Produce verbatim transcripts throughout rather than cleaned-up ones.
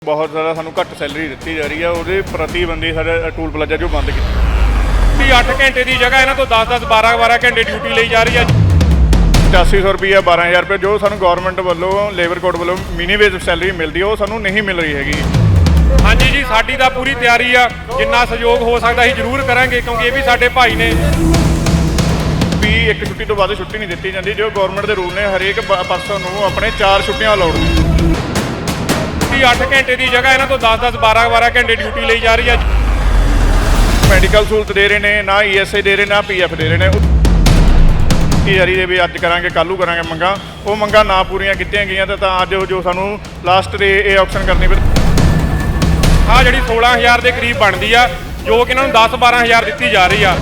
बहुत ज़्यादा सानू घट सैलरी दी जा रही है, वो प्रतिबंधी साढ़े टूल प्लाजा जो बंद की अठ घंटे की जगह इन्हों तो दस दस बारह बारह घंटे ड्यूटी ली जा रही है। पचासी सौ रुपया बारह हज़ार रुपये जो सानू गौरमेंट वालों लेबर कोड वालों मिनी वेज सैलरी मिलती है, वो सानू नहीं मिल रही हैगी। हाँ जी जी साडी तो पूरी तैयारी आ, जिन्ना सहयोग हो सकता है जरूर करांगे, क्योंकि ये भी साडे भाई ने। भी एक छुट्टी तो बाद छुट्टी नहीं दी जाती, जो गौरमेंट के रूल ने हरेक परसन नूं अपने चार छुट्टियां अलाउड ने। अठ घंटे की जगह इन्हों तो दस दस बारह बारह घंटे ड्यूटी ली जा रही है। मैडिकल सहूलत दे रहे हैं, ना ई एस आई दे रहे, ना पी एफ दे रहे हैं। जारी दे भी अज करांगे कलू करांगे मंगा, वो मंगा ना पूरियां कीतियां गईयां तो अज जो सानू लास्ट दे ये ऑप्शन करनी पई। हाँ जी सोलह हज़ार के करीब बनती है, जो कि इन्होंने दस बारह हज़ार दी जा रही है।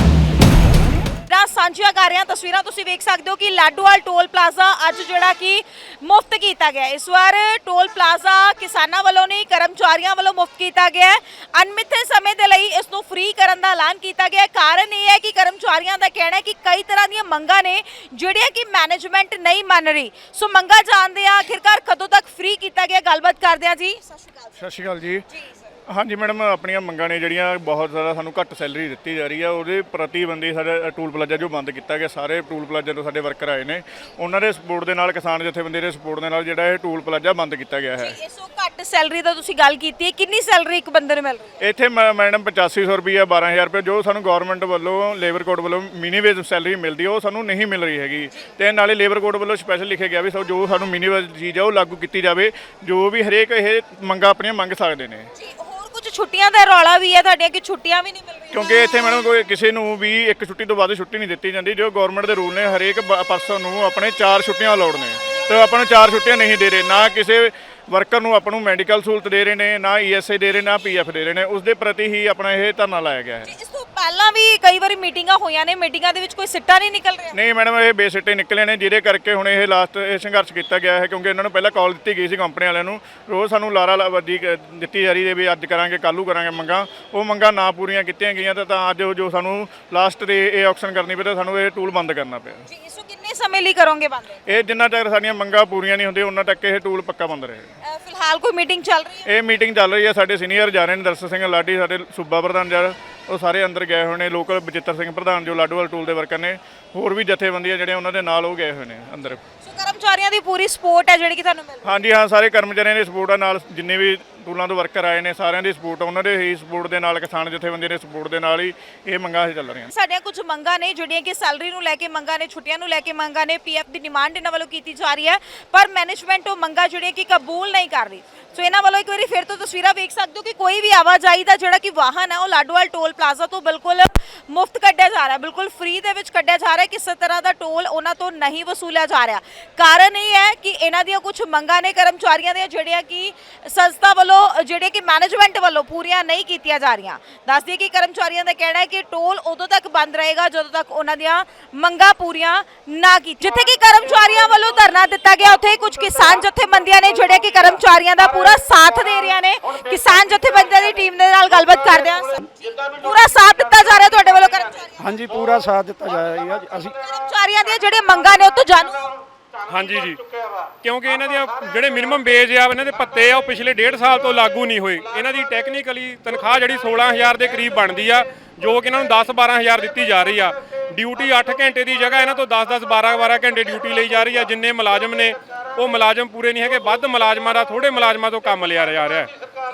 ਸਾਂਝੀਆਂ ਕਰ ਰਹੇ ਹਾਂ ਤਸਵੀਰਾਂ ਤੁਸੀਂ ਵੇਖ ਸਕਦੇ ਹੋ ਕਿ ਲਾਡੋਵਾਲ ਟੋਲ ਪਲਾਜ਼ਾ ਅੱਜ ਜਿਹੜਾ ਕਿ ਮੁਫਤ ਕੀਤਾ ਗਿਆ। ਇਸ ਵਾਰ ਟੋਲ ਪਲਾਜ਼ਾ ਕਿਸਾਨਾਂ ਵੱਲੋਂ ਨਹੀਂ ਕਰਮਚਾਰੀਆਂ ਵੱਲੋਂ ਮੁਫਤ ਕੀਤਾ ਗਿਆ ਹੈ। ਅਣਮਿੱਥੇ ਸਮੇਂ ਦੇ ਲਈ ਇਸ ਨੂੰ ਫ੍ਰੀ ਕਰਨ ਦਾ ਐਲਾਨ ਕੀਤਾ ਗਿਆ। ਕਾਰਨ ਇਹ ਹੈ ਕਿ ਕਰਮਚਾਰੀਆਂ ਦਾ ਕਹਿਣਾ ਹੈ ਕਿ ਕਈ ਤਰ੍ਹਾਂ ਦੀਆਂ ਮੰਗਾਂ ਨੇ ਜਿਹੜੀਆਂ ਕਿ ਮੈਨੇਜਮੈਂਟ ਨਹੀਂ ਮੰਨ ਰਹੀ। ਸੋ ਮੰਗਾਂ ਜਾਣਦੇ ਆ ਆਖਿਰਕਾਰ ਕਦੋਂ ਤੱਕ ਫ੍ਰੀ ਕੀਤਾ ਗਿਆ, ਗੱਲਬਾਤ ਕਰਦੇ ਆ ਜੀ। ਸਤਿ ਸ਼੍ਰੀ ਅਕਾਲ। ਸਤਿ ਸ਼੍ਰੀ ਅਕਾਲ ਜੀ। हाँ जी मैडम, अपनियां मंगां ने जिहड़ियां बहुत ज़्यादा सानू घट सैलरी दी जा रही है, वो प्रतिबंधी साडे टूल प्लाजा जो बंद किया गया। सारे टूल प्लाजा तो साडे वर्कर आए ने, उन्हां दे सपोर्ट दे नाल किसान जथेबंदी दे सपोर्ट दे नाल जिहड़ा ये टूल प्लाजा बंद किया गया है। इस घट सैलरी दा तुसीं गल कीती है, कितनी सैलरी एक बंदे नूं मिल रही है? इत्थे मैडम पचासी सौ रुपया बारह हज़ार रुपये जो सानू गौरमेंट वालों लेबर कोड वालों मिनी वेज सैलरी मिलती है, वो सानू नहीं मिल रही हैगी। ते नाले लेबर कोड वालों स्पैशल लिखे गया भी जो सानू मिनी वेज चीज़ है वो लागू की जाए, जो भी हरेक ये मंगा अपनियां मंग सकते हैं। कुछ छुट्टियां दा रौला भी है तुहाडे कि छुट्टियां भी नहीं मिल रही, क्योंकि इत्थे मैडम कोई किसी नूं भी एक छुट्टी तो बाद छुट्टी नहीं दी जाती, जो गौरमेंट के रूल ने हरेक परसन नूं अपने चार छुट्टियां अलाउड ने, तो अपन चार छुट्टियां नहीं दे रहे। ना किसी वर्कर नूं अपन मैडिकल सहूलत दे रहे हैं, ना ई एस आई दे रहे, ना पी एफ दे रहे हैं। उसके प्रति ही अपना यह धरना लाया गया है। इस तो पहला भी कई बार मीटिंगां होईयां ने, मीटिंगां दे विच कोई सिੱਟਾ नहीं निकल रहा? नहीं मैडम, ये बेसिੱਟੇ निकले ने, जिहदे करके हुण ये लास्ट संघर्ष किया गया है। क्योंकि इन्होंने पहले कॉल दी गई सी कंपनी वालिਆਂ ਨੂੰ, रोज़ सानू लारा वर्दी दी जा रही है भी अज करांगे कलू करांगे मंगा, वो मंगा ना पूरियां कीतियां गईयां तो अज जो सानू लास्ट दे ये ऑप्शन करनी पई, सानू ये टूल बंद करना पिया। जी इसो कितने समय ਲਈ ਕਰੋਗੇ ਬੰਦ? ਇਹ ਜਿੰਨਾ ਤੱਕ ਸਾਡੀਆਂ ਮੰਗਾਂ ਪੂਰੀਆਂ ਨਹੀਂ ਹੁੰਦੀਆਂ ਉਹਨਾਂ ਤੱਕ ਇਹ ਟੂਲ ਪੱਕਾ ਬੰਦ ਰਹੇ। ਫਿਲਹਾਲ ਕੋਈ ਮੀਟਿੰਗ ਚੱਲ ਰਹੀ ਹੈ? ਇਹ ਮੀਟਿੰਗ ਚੱਲ ਰਹੀ ਹੈ, ਸਾਡੇ ਸੀਨੀਅਰ ਜਾ ਰਹੇ ਨੇ, ਦਰਸ਼ਨ ਸਿੰਘ ਲਾਡੀ ਸਾਡੇ ਸੂਬਾ ਪ੍ਰਧਾਨ ਜਾ ਉਹ ਸਾਰੇ ਅੰਦਰ ਗਏ ਹੋਏ ਨੇ। ਲੋਕਲ ਬਚਿੱਤਰ ਸਿੰਘ ਪ੍ਰਧਾਨ ਜੋ ਲਾਡੋਵਾਲ ਟੂਲ ਦੇ ਵਰਕਰ ਨੇ, ਹੋਰ ਵੀ ਜਥੇਬੰਦੀਆਂ ਜਿਹੜੇ ਉਹਨਾਂ ਦੇ ਨਾਲ ਉਹ ਗਏ ਹੋਏ ਨੇ ਅੰਦਰ। ਸੋ ਕਰਮਚਾਰੀਆਂ ਦੀ ਪੂਰੀ ਸਪੋਰਟ ਹੈ ਜਿਹੜੀ ਕਿ ਤੁਹਾਨੂੰ ਮਿਲ ਰਹੀ ਹੈ? ਹਾਂਜੀ ਹਾਂ, ਸਾਰੇ ਕਰਮਚਾਰੀਆਂ ਦੀ ਸਪੋਰਟ ਆ, ਨਾਲ ਜਿੰਨੇ ਵੀ ਟੂਲਾਂ ਤੋਂ ਵਰਕਰ ਆਏ ਨੇ ਸਾਰਿਆਂ ਦੀ ਸਪੋਰਟ, ਉਹਨਾਂ ਦੇ ਹੀ ਸਪੋਰਟ ਦੇ ਨਾਲ, ਕਿਸਾਨ ਜਥੇਬੰਦੀਆਂ ਦੇ ਸਪੋਰਟ ਦੇ ਨਾਲ ਹੀ ਇਹ ਮੰਗਾਂ ਚੱਲ ਰਹੀਆਂ। ਸਾਡੀਆਂ ਕੁਝ ਮੰਗਾਂ ਨੇ ਜਿਹੜੀਆਂ ਕਿ ਸੈਲਰੀ ਨੂੰ ਲੈ ਕੇ ਮੰਗਾਂ ਨੇ, ਛੁੱਟੀਆਂ ਨੂੰ ਲੈ ਕੇ ਮੰਗਾਂ ਨੇ, ਪੀ ਐਫ ਦੀ ਡਿਮਾਂਡ ਇਹਨਾਂ ਵੱਲੋਂ ਕੀਤੀ ਜਾ ਰਹੀ ਹੈ, ਪਰ ਮੈਨੇਜਮੈਂਟ ਉਹ ਮੰਗਾਂ ਜਿਹੜੀਆਂ ਕਿ ਕਬੂਲ ਨਹੀਂ ਕਰ ਰਹੀ। ਸੋ ਇਹਨਾਂ ਵੱਲੋਂ ਇੱਕ ਵਾਰੀ ਫਿਰ ਤੋਂ ਤਸਵੀਰਾਂ ਵੇਖ ਸਕਦੇ ਹੋ ਕਿ ਕੋਈ ਵੀ ਆਵਾਜਾਈ ਦਾ ਜਿਹੜਾ ਕਿ ਵਾਹਨ ਹੈ ਉਹ ਲਾਡੋਵਾਲ ਟੋਲ ਪਲਾਜ਼ਾ ਤੋਂ ਬਿਲਕੁਲ ਮੁਫਤ ਕੱਢਿਆ ਜਾ ਰਿਹਾ, ਬਿਲਕੁਲ ਫ੍ਰੀ ਦੇ ਵਿੱਚ ਕੱਢਿਆ ਜਾ ਰਿਹਾ। ਕਿਸੇ ਤਰ੍ਹਾਂ ਦਾ ਟੋਲ ਉਹਨਾਂ ਤੋਂ ਨਹੀਂ ਵਸੂਲਿਆ ਜਾ ਰਿਹਾ। ਕਾਰਨ ਇਹ ਹੈ ਕਿ ਇਹਨਾਂ ਦੀਆਂ ਕੁਝ ਮੰਗਾਂ ਨੇ ਕਰਮਚਾਰੀਆਂ ਦੀਆਂ ਜਿਹੜੀਆਂ ਕਿ ਸੰਸਥਾ ਵੱਲੋਂ ਜਿਹੜੇ ਕਿ ਮੈਨੇਜਮੈਂਟ ਵੱਲੋਂ ਪੂਰੀਆਂ ਨਹੀਂ ਕੀਤੀਆਂ ਜਾ ਰਹੀਆਂ। ਦੱਸ ਦਈਏ ਕਿ ਕਰਮਚਾਰੀਆਂ ਦਾ ਕਹਿਣਾ ਹੈ ਕਿ ਟੋਲ ਉਦੋਂ ਤੱਕ ਬੰਦ ਰਹੇਗਾ ਜਦੋਂ ਤੱਕ ਉਹਨਾਂ ਦੀਆਂ ਮੰਗਾਂ ਪੂਰੀਆਂ ਨਾ ਕੀਤੀਆਂ। ਜਿੱਥੇ ਕਿ ਕਰਮਚਾਰੀਆਂ ਵੱਲੋਂ ਧਰਨਾ ਦਿੱਤਾ ਗਿਆ, ਉੱਥੇ ਕੁਝ ਕਿਸਾਨ ਜਥੇਬੰਦੀਆਂ ਨੇ ਜਿਹੜੇ ਕਿ ਕਰਮਚਾਰੀਆਂ ਦਾ ਪੂਰਾ ਸਾਥ ਦੇ ਰਹੀਆਂ ਨੇ। ਕਿਸਾਨ ਜਥੇਬੰਦੀਆਂ ਦੀ ਟੀਮ ਦੇ ਨਾਲ ਗੱਲਬਾਤ ਕਰਦੇ ਹਾਂ। ਪੂਰਾ ਸਾਥ ਦਿੱਤਾ ਜਾ ਰਿਹਾ ਤੁਹਾਡੇ ਵੱਲੋਂ ਕਰਮਚਾਰੀਆਂ? ਹਾਂਜੀ ਪੂਰਾ ਸਾਥ ਦਿੱਤਾ ਜਾ ਰਿਹਾ ਹੈ। ਅਸੀਂ ਕਰਮਚਾਰੀਆਂ ਦੀਆਂ ਜਿਹੜੀਆਂ ਮੰਗਾਂ ਨੇ ਉਹ ਤੋਂ ਜਾਣੂ? ਹਾਂਜੀ ਜੀ, ਕਿਉਂਕਿ ਇਹਨਾਂ ਦੀਆਂ ਜਿਹੜੇ ਮਿਨੀਮਮ ਵੇਜ ਆ, ਇਹਨਾਂ ਦੇ ਭੱਤੇ ਆ, ਉਹ ਪਿਛਲੇ ਡੇਢ ਸਾਲ ਤੋਂ ਲਾਗੂ ਨਹੀਂ ਹੋਏ। ਇਹਨਾਂ ਦੀ ਟੈਕਨੀਕਲੀ ਤਨਖਾਹ ਜਿਹੜੀ ਸੋਲ੍ਹਾਂ ਹਜ਼ਾਰ ਦੇ ਕਰੀਬ ਬਣਦੀ ਆ, ਜੋ ਕਿ ਇਹਨਾਂ ਨੂੰ ਦਸ ਬਾਰ੍ਹਾਂ ਹਜ਼ਾਰ ਦਿੱਤੀ ਜਾ ਰਹੀ ਆ। ਡਿਊਟੀ ਅੱਠ ਘੰਟੇ ਦੀ ਜਗ੍ਹਾ ਇਹਨਾਂ ਤੋਂ ਦਸ ਦਸ ਬਾਰ੍ਹਾਂ ਬਾਰ੍ਹਾਂ ਘੰਟੇ ਡਿਊਟੀ ਲਈ ਜਾ ਰਹੀ ਆ। ਜਿੰਨੇ ਮੁਲਾਜ਼ਮ ਨੇ ਉਹ ਮੁਲਾਜ਼ਮ ਪੂਰੇ ਨਹੀਂ ਹੈਗੇ, ਵੱਧ ਮੁਲਾਜ਼ਮਾਂ ਦਾ ਥੋੜੇ ਮੁਲਾਜ਼ਮਾਂ ਤੋਂ ਕੰਮ ਲਿਆ ਜਾ ਰਿਹਾ।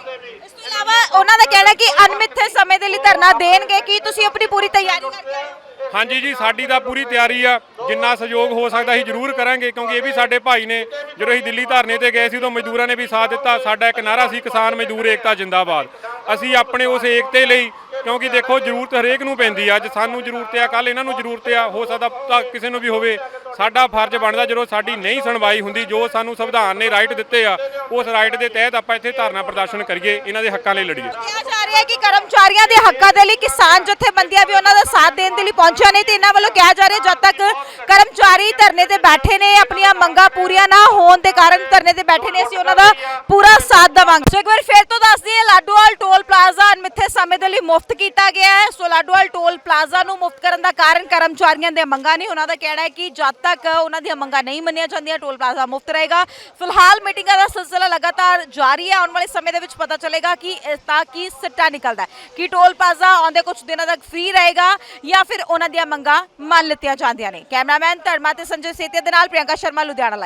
ਇਸ ਤੋਂ ਇਲਾਵਾ ਉਹਨਾਂ ਦਾ ਕਹਿਣਾ ਕਿ ਅਣਮਿੱਥੇ ਸਮੇਂ ਦੇ ਲਈ ਧਰਨਾ ਦੇਣਗੇ। ਕੀ ਤੁਸੀਂ ਆਪਣੀ ਪੂਰੀ ਤਿਆਰੀ ਕਰਕੇ ਆਏ ਹੋ? ਹਾਂਜੀ ਜੀ ਸਾਡੀ ਤਾਂ ਪੂਰੀ ਤਿਆਰੀ ਆ, ਜਿੰਨਾ ਸਹਿਯੋਗ ਹੋ ਸਕਦਾ ਅਸੀਂ ਜ਼ਰੂਰ ਕਰਾਂਗੇ, ਕਿਉਂਕਿ ਇਹ ਵੀ ਸਾਡੇ ਭਾਈ ਨੇ। ਜਦੋਂ ਅਸੀਂ ਦਿੱਲੀ ਧਰਨੇ ਤੇ ਗਏ ਸੀ ਉਦੋਂ ਮਜ਼ਦੂਰਾਂ ਨੇ ਵੀ ਸਾਥ ਦਿੱਤਾ। ਸਾਡਾ ਇੱਕ ਨਾਰਾ ਸੀ ਕਿਸਾਨ ਮਜ਼ਦੂਰ ਏਕਤਾ ਜਿੰਦਾਬਾਦ। ਅਸੀਂ ਆਪਣੇ ਉਸ ਏਕਤੇ ਲਈ, ਕਿਉਂਕਿ ਦੇਖੋ ਜ਼ਰੂਰਤ ਹਰੇਕ ਨੂੰ ਪੈਂਦੀ ਆ, ਅੱਜ ਸਾਨੂੰ ਜ਼ਰੂਰਤ ਆ, ਕੱਲ ਇਹਨਾਂ ਨੂੰ ਜ਼ਰੂਰਤ ਆ, ਹੋ ਸਕਦਾ ਤਾਂ ਕਿਸੇ ਨੂੰ ਵੀ ਹੋਵੇ। ਸਾਡਾ ਫਰਜ਼ ਬਣਦਾ ਜਦੋਂ ਸਾਡੀ ਨਹੀਂ ਸੁਣਵਾਈ ਹੁੰਦੀ, ਜੋ ਸਾਨੂੰ ਸੰਵਿਧਾਨ ਨੇ ਰਾਈਟ ਦਿੱਤੇ ਆ, ਉਸ ਰਾਈਟ ਦੇ ਤਹਿਤ ਆਪਾਂ ਇੱਥੇ ਧਰਨਾ ਪ੍ਰਦਰਸ਼ਨ ਕਰੀਏ, ਇਹਨਾਂ ਦੇ ਹੱਕਾਂ ਲਈ ਲੜੀਏ। ਕਿਹਾ ਜਾ ਰਿਹਾ ਹੈ ਕਿ ਕਰਮਚਾਰੀਆਂ ਦੇ ਹੱਕਾਂ ਦੇ ਲਈ ਕਿਸਾਨ ਜਥੇਬੰਦੀਆਂ ਵੀ ਉਹਨਾਂ ਦਾ ਸਾਥ ਦੇਣ ਦੇ ਲਈ ਪਹੁੰਚਿਆ ਨੇ, ਤੇ ਇਹਨਾਂ ਵੱਲੋਂ ਕਿਹਾ ਜਾ ਰਿਹਾ ਜਦ ਤੱਕ ਕਰਮਚਾਰੀ ਧਰਨੇ ਤੇ ਬੈਠੇ ਨੇ, ਆਪਣੀਆਂ ਮੰਗਾਂ ਪੂਰੀਆਂ ਨਾ ਹੋਣ ਦੇ ਕਾਰਨ ਧਰਨੇ ਤੇ ਬੈਠੇ ਨੇ, ਅਸੀਂ ਉਹਨਾਂ ਦਾ ਪੂਰਾ ਸਾਥ ਦੇਵਾਂਗੇ। ਸੋ ਇੱਕ ਵਾਰ ਫਿਰ ਤੋਂ ਦੱਸ ਦਈਏ, ਲਾਡੋਵਾਲ ਟੋਲ ਪਲਾਜ਼ਾ ਅਣਮਿੱਥੇ ਸਮੇਂ ਸਮੇਂ ਦੇ ਲਈ ਮੁਫਤ ਕੀਤਾ ਗਿਆ ਹੈ। ਸੋ ਲਾਡੋਵਾਲ ਟੋਲ ਪਲਾਜ਼ਾ ਨੂੰ ਮੁਫਤ ਕਰਨ ਦਾ ਕਾਰਨ ਕਰਮਚਾਰੀਆਂ ਦੀਆਂ ਮੰਗਾਂ ਨੇ। ਉਹਨਾਂ ਦਾ ਕਹਿਣਾ ਹੈ ਕਿ ਜਦ ਤੱਕ ਉਹਨਾਂ ਦੀਆਂ ਮੰਗਾਂ ਨਹੀਂ ਮੰਨੀਆਂ ਜਾਂਦੀਆਂ ਟੋਲ ਪਲਾਜ਼ਾ ਮੁਫਤ ਰਹੇਗਾ। ਫਿਲਹਾਲ ਮੀਟਿੰਗਾਂ ਦਾ ਸਿਲਸਿਲਾ ਲਗਾਤਾਰ ਜਾਰੀ ਹੈ। ਆਉਣ ਵਾਲੇ ਸਮੇਂ ਦੇ ਵਿੱਚ ਪਤਾ ਚੱਲੇਗਾ ਕਿ ਇਸ ਦਾ ਕੀ ਸਿੱਟਾ ਨਿਕਲਦਾ ਹੈ, ਕਿ ਟੋਲ ਪਲਾਜ਼ਾ ਆਉਂਦੇ ਕੁਝ ਦਿਨਾਂ ਤੱਕ ਫ੍ਰੀ ਰਹੇਗਾ ਜਾਂ ਫਿਰ ਉਹਨਾਂ ਦੀਆਂ ਮੰਗਾਂ ਮੰਨ ਲਿੱਤੀਆਂ ਜਾਂਦੀਆਂ ਨੇ। ਕੈਮਰਾਮੈਨ ਧਰਮਾ ਤੇ ਸੰਜੇ ਸੇਤੀਆ ਦੇ ਨਾਲ ਪ੍ਰਿਯੰਕਾ ਸ਼ਰਮਾ, ਲੁਧਿਆਣਾ।